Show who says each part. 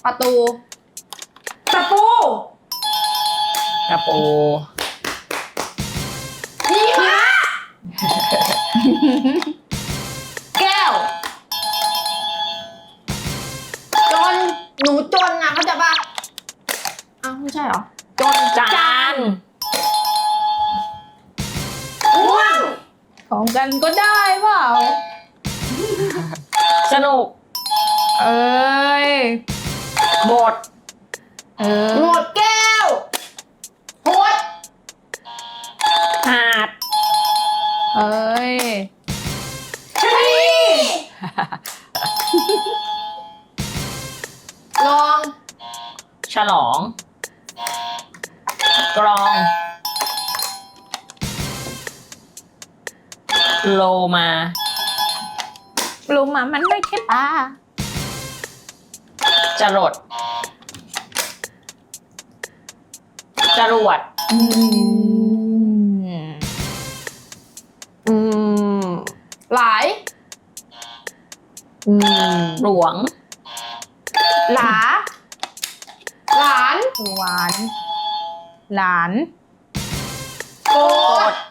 Speaker 1: ประตู
Speaker 2: ตะปู
Speaker 3: กระปู
Speaker 2: หิมะ
Speaker 1: แก้ว จน หนูจนนะเข้าใจปะอ้าวไม่ใช่เหรอ จน
Speaker 3: จาน
Speaker 2: ง่วง
Speaker 1: ของกันก็ได้เปล่า
Speaker 3: สนุก
Speaker 1: เอ้ย
Speaker 3: บท
Speaker 1: หมดแก้วหด
Speaker 3: หาด
Speaker 1: เอ้ย
Speaker 2: ชะนี
Speaker 1: ลอง
Speaker 3: ฉลอง กรอง โลมา
Speaker 1: รู้มามันไม่ใช่ปลา
Speaker 3: จรด จรวด
Speaker 1: หลาย
Speaker 3: หลวง
Speaker 1: หลา หลาน หวาน หลาน
Speaker 2: โกร
Speaker 3: ก
Speaker 2: ธ
Speaker 3: ด